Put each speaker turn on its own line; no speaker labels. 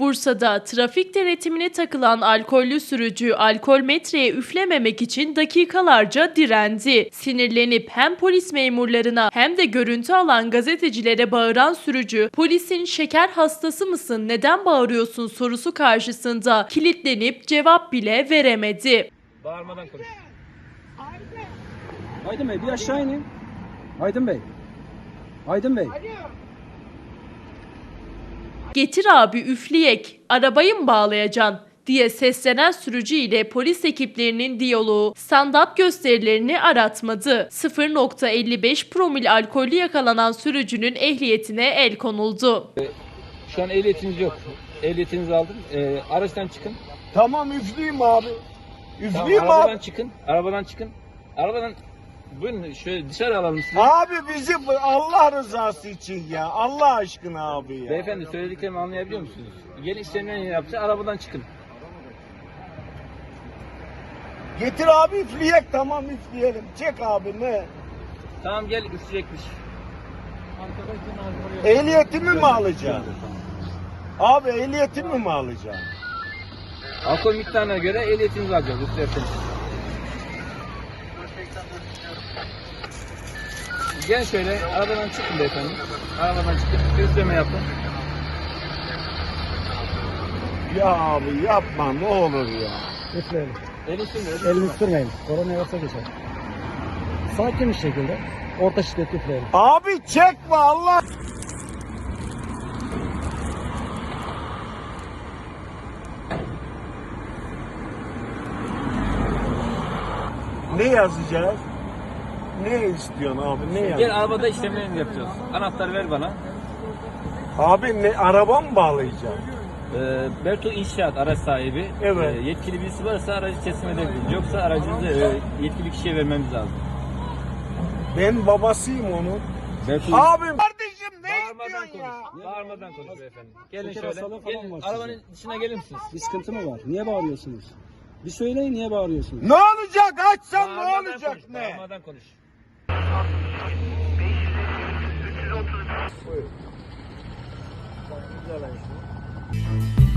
Bursa'da trafik denetimine takılan alkollü sürücü alkol metreye üflememek için dakikalarca direndi. Sinirlenip hem polis memurlarına hem de görüntü alan gazetecilere bağıran sürücü, polisin "şeker hastası mısın, neden bağırıyorsun" sorusu karşısında kilitlenip cevap bile veremedi.
Bağırmadan konuş.
Aydın Bey bir aşağı inin. Aydın Bey. Aydın Bey.
"Getir abi üfleyek, arabayı mı bağlayacaksın?" diye seslenen sürücü ile polis ekiplerinin diyaloğu stand-up gösterilerini aratmadı. 0,55 promil alkollü yakalanan sürücünün ehliyetine el konuldu.
Şu an ehliyetiniz yok. Ehliyetinizi aldım. Araçtan çıkın.
Tamam üfleyeyim abi.
Tamam,
Üfleyeyim
arabadan
abi.
çıkın. Arabadan çıkın. Arabadan buyurun şöyle dışarı alalım sizi.
Abi bizi Allah rızası için ya. Allah aşkına abi ya.
Beyefendi söylediklerimi anlayabiliyor musunuz? Gelin işlemlerini yapacağız. Arabadan çıkın.
Getir abi üfleyek, tamam üfleyelim. Çek abi ne?
Tamam gel üfleyecekmiş.
Ehliyetimi mi alacaksın? Abi ehliyetimi mi alacaksın?
Alkol miktarına göre ehliyetinizi alacağız üflerseniz. Gel şöyle arabadan çıkın beyefendi. Arabadan çıkın. Üfleme yapın.
Ya abi yapma ne olur ya.
Üfleyelim.
Elini sürme.
Elini sürmeyin. Korona yasa geçer. Sakin bir şekilde orta şiddet üfleyelim.
Abi çekme Allah. Ne yazacağız? Ne istiyorsun abi? Ne yazacağız?
Gel arabada işlemlerini yapacağız. Anahtarı ver bana.
Abi ne araba mı bağlayacağım?
Berto İnşaat araç sahibi.
Evet.
Yetkili birisi varsa aracı teslim edebiliriz. Yoksa aracınızı yetkili kişiye vermemiz lazım.
Ben babasıyım onun.
Berto
Abim kardeşim ne
Bağırmadan
istiyorsun ya?
konuş. Bağırmadan konuş beyefendi. Gelin
Şeker
şöyle.
hastalığı falan
Gelin
var
arabanın
sizin.
dışına gelir misiniz?
Bir sıkıntı mı var? Niye bağırıyorsunuz? Bir söyleyin niye bağırıyorsunuz?
Ne olacak? Açsan ne
Bağırmadan
olacak
konuş,
ne?
Bağırmadan konuş.
Buyurun.